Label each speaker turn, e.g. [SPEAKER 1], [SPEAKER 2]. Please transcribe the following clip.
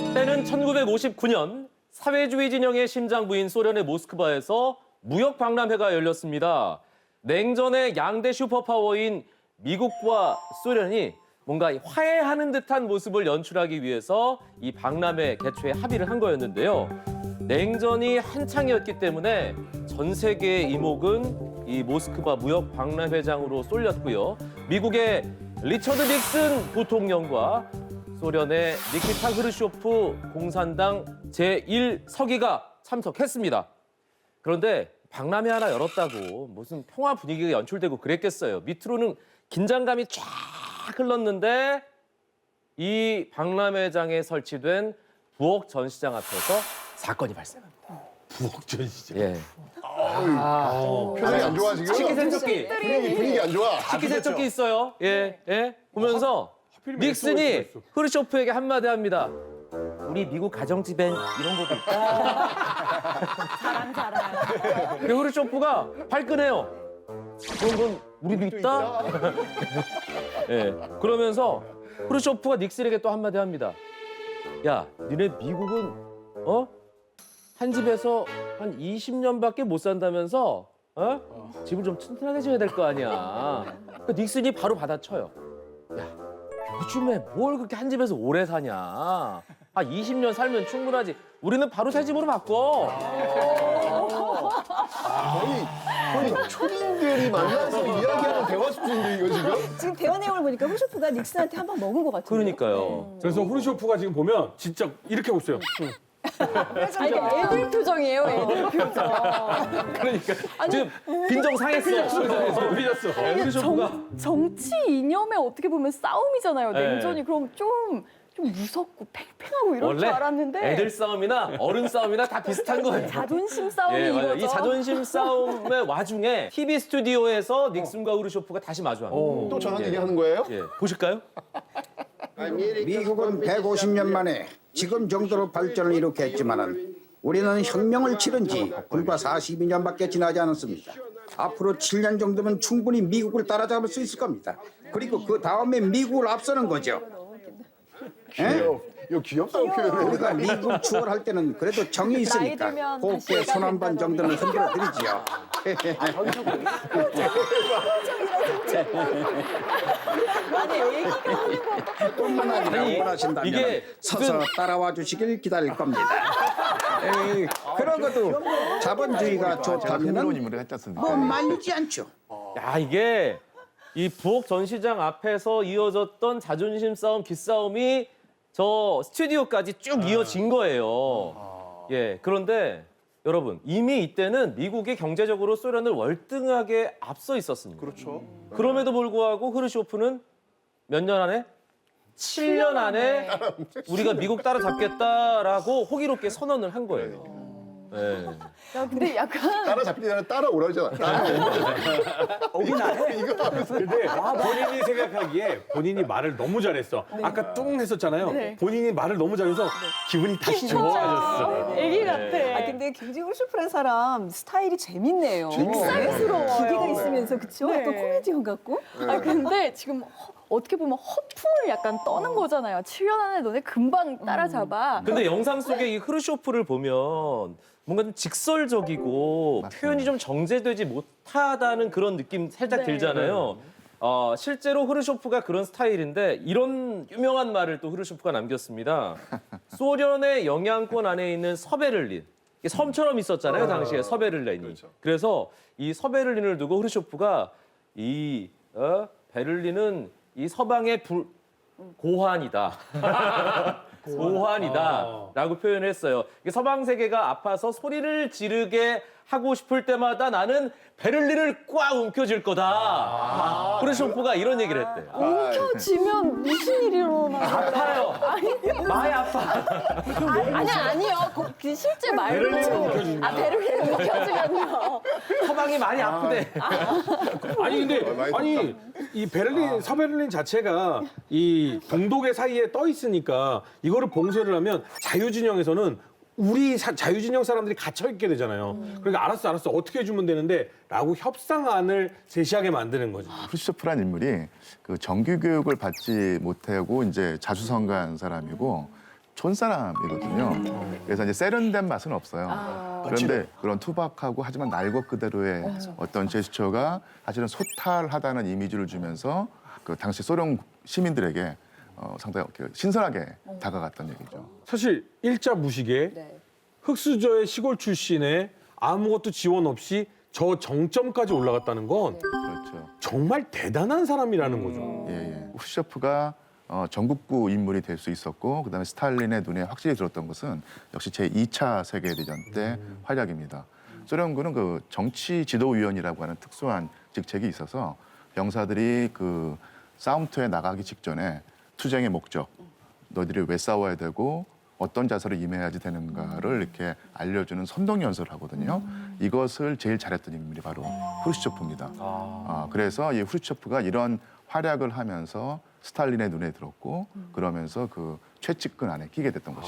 [SPEAKER 1] 때는 1959년 사회주의 진영의 심장부인 소련의 모스크바에서 무역 박람회가 열렸습니다. 냉전의 양대 슈퍼파워인 미국과 소련이 뭔가 화해하는 듯한 모습을 연출하기 위해서 이 박람회 개최에 합의를 한 거였는데요. 냉전이 한창이었기 때문에 전 세계의 이목은 이 모스크바 무역 박람회장으로 쏠렸고요. 미국의 리처드 닉슨 부통령과 소련의 니키타 흐르쇼프 공산당 제1서기가 참석했습니다. 그런데 박람회 하나 열었다고 무슨 평화 분위기가 연출되고 그랬겠어요. 밑으로는 긴장감이 쫙 흘렀는데 이 박람회장에 설치된 부엌 전시장 앞에서 사건이 발생합니다.
[SPEAKER 2] 부엌 전시장.
[SPEAKER 1] 예.
[SPEAKER 3] 표정이 안 좋아 지금?
[SPEAKER 1] 식기세척기.
[SPEAKER 3] 분위기 안 좋아.
[SPEAKER 1] 식기세척기 있어요. 예, 예. 보면서
[SPEAKER 2] 하필이면
[SPEAKER 1] 닉슨이
[SPEAKER 2] SOS 였어.
[SPEAKER 1] 흐르쇼프에게 한마디 합니다. 우리 미국 가정집엔 이런 것도 있다.
[SPEAKER 4] 자랑.
[SPEAKER 1] 그리고 흐르쇼프가 발끈해요. 그런 건 우리도 있다. 예. 그러면서 흐르쇼프가 닉슨에게 또 한마디 합니다. 야, 니네 미국은 한 집에서 한 20년밖에 못 산다면서 집을 좀 튼튼하게 지어야 될 거 아니야. 그 닉슨이 바로 받아쳐요. 야, 요즘에 뭘 그렇게 한 집에서 오래 사냐. 한 20년 살면 충분하지. 우리는 바로 새 집으로 바꿔.
[SPEAKER 3] 거의 초딩들이 만나서 이야기하는 대화 수준인데 이거 지금?
[SPEAKER 4] 지금 대화 내용을 보니까 후슈프가 닉슨한테 한 방 먹은 것 같아요.
[SPEAKER 1] 그러니까요.
[SPEAKER 2] 그래서 후르쇼프가 지금 보면 진짜 이렇게 하고 있어요.
[SPEAKER 4] 아니, 애들 표정이에요, 애들 표정.
[SPEAKER 1] 그러니까 지금 빈정 상했어.
[SPEAKER 2] 삐졌어.
[SPEAKER 1] 흐르쇼프가
[SPEAKER 5] 정치 이념에 어떻게 보면 싸움이잖아요.
[SPEAKER 1] 네.
[SPEAKER 5] 냉전이 그럼 좀 무섭고 팽팽하고 이럴 줄
[SPEAKER 1] 원래
[SPEAKER 5] 알았는데
[SPEAKER 1] 애들 싸움이나 어른 싸움이나 다 비슷한 거예요.
[SPEAKER 5] 자존심 싸움이
[SPEAKER 1] 예, 맞아요.
[SPEAKER 5] 이거죠.
[SPEAKER 1] 이 자존심 싸움의 와중에 TV 스튜디오에서 닉슨과 흐르쇼프가 다시 마주합니다.
[SPEAKER 3] 또 저런
[SPEAKER 1] 예.
[SPEAKER 3] 얘기 하는 거예요?
[SPEAKER 1] 예, 보실까요?
[SPEAKER 6] 미국은 150년 만에 지금 정도로 발전을 이룩했지만은 우리는 혁명을 치른 지 불과 42년밖에 지나지 않았습니다. 앞으로 7년 정도면 충분히 미국을 따라잡을 수 있을 겁니다. 그리고 그 다음에 미국을 앞서는 거죠.
[SPEAKER 3] 귀여워. 이거 귀엽다고 표현해.
[SPEAKER 6] 우리가 미국 추월할 때는 그래도 정이 있으니까
[SPEAKER 5] 나이 들면
[SPEAKER 6] 곱게
[SPEAKER 5] 다시
[SPEAKER 6] 손 한 번 정도는 흔들어 드리지요.
[SPEAKER 5] 아니 애기가 하는 거
[SPEAKER 6] 뿐만 아니라
[SPEAKER 1] 아니,
[SPEAKER 6] 원하신다면
[SPEAKER 1] 이게
[SPEAKER 6] 서서
[SPEAKER 1] 무슨-
[SPEAKER 6] 따라와 주시길 기다릴 겁니다. 에이, 그러고도 자본주의가 좋다면 뭐 말리지 않죠.
[SPEAKER 1] 야, 이게 이 부엌 전시장 앞에서 이어졌던 자존심 싸움, 기싸움이 저 스튜디오까지 쭉 이어진 거예요. 예, 그런데 여러분 이미 이때는 미국이 경제적으로 소련을 월등하게 앞서 있었습니다.
[SPEAKER 3] 그렇죠.
[SPEAKER 1] 그럼에도 불구하고 흐르쇼프는 몇 년 안에? 7년 안에 우리가 미국 따라잡겠다라고 호기롭게 선언을 한 거예요. 예.
[SPEAKER 5] 야, 근데 약간
[SPEAKER 3] 따라잡기 전에 따라오라잖아.
[SPEAKER 2] 오긴 안 해. 이거 하면서. 근데 본인이 생각하기에 본인이 말을 너무 잘했어. 아까 뚱 했었잖아요.
[SPEAKER 5] 네.
[SPEAKER 2] 본인이 말을 너무 잘해서 기분이 다시 좋아졌어.
[SPEAKER 5] 애기 같아.
[SPEAKER 4] 아, 근데 굉장히 후슈프란 사람 스타일이 재밌네요.
[SPEAKER 5] 믹스스러워요.
[SPEAKER 4] 기계가 있으면서, 그쵸?
[SPEAKER 5] 네.
[SPEAKER 4] 약간 코미디언 같고.
[SPEAKER 5] 아 근데 지금 어떻게 보면 허풍을 약간 떠는 거잖아요. 7년 안에 너네 금방 따라잡아.
[SPEAKER 1] 근데 영상 속에 이 흐르쇼프를 보면 뭔가 좀 직설적이고 표현이 좀 정제되지 못하다는 그런 느낌 살짝
[SPEAKER 5] 네.
[SPEAKER 1] 들잖아요. 실제로 흐르쇼프가 그런 스타일인데 이런 유명한 말을 또 흐르쇼프가 남겼습니다. 소련의 영향권 안에 있는 서베를린. 이게 섬처럼 있었잖아요, 당시에 서베를린이.
[SPEAKER 3] 그렇죠.
[SPEAKER 1] 그래서 이 서베를린을 두고 흐르쇼프가 이 베를린은 이 서방의 고환이다. 고환이다라고 표현을 했어요. 이게 서방 세계가 아파서 소리를 지르게 하고 싶을 때마다 나는 베를린을 꽉 움켜쥘 거다. 흐르쇼프가 이런 얘기를 했대요.
[SPEAKER 5] 움켜쥐면 무슨 일이 일어나요?
[SPEAKER 1] 아파요. 많이 아파.
[SPEAKER 5] 아니요. 그 실제 말로. 베를린 움켜쥐면요.
[SPEAKER 1] 서방이 많이 아프대.
[SPEAKER 2] 아니 근데
[SPEAKER 3] 많이
[SPEAKER 2] 이 베를린 서베를린 자체가 이 동독의 사이에 떠 있으니까 이거를 봉쇄를 하면 자유진영에서는 우리 자유진영 사람들이 갇혀 있게 되잖아요. 그러니까 알았어 어떻게 해주면 되는데 라고 협상안을 제시하게 만드는 거죠.
[SPEAKER 7] 크루시초프란 인물이 그 정규 교육을 받지 못하고 이제 자수성가한 사람이고 촌사람이거든요. 그래서 이제 세련된 맛은 없어요. 그런데 그런 투박하고 하지만 날 것 그대로의 어떤 제스처가 사실은 소탈하다는 이미지를 주면서 그 당시 소련 시민들에게 상당히 이렇게 신선하게 다가갔던 얘기죠.
[SPEAKER 2] 사실 일자 무식에 흑수저의 시골 출신에 아무것도 지원 없이 저 정점까지 올라갔다는 건
[SPEAKER 7] 그렇죠.
[SPEAKER 2] 정말 대단한 사람이라는 거죠.
[SPEAKER 7] 예. 후르쇼프가 전국구 인물이 될 수 있었고 그다음에 스탈린의 눈에 확실히 들었던 것은 역시 제2차 세계대전 때 활약입니다. 소련군은 그 정치 지도위원이라고 하는 특수한 직책이 있어서 병사들이 그 싸움터에 나가기 직전에 투쟁의 목적, 너희들이 왜 싸워야 되고 어떤 자세로 임해야지 되는가를 이렇게 알려주는 선동 연설을 하거든요. 이것을 제일 잘했던 인물이 바로 후르시초프입니다. 그래서 이 후르시초프가 이런 활약을 하면서 스탈린의 눈에 들었고 그러면서 그 최측근 안에 끼게 됐던 것이죠.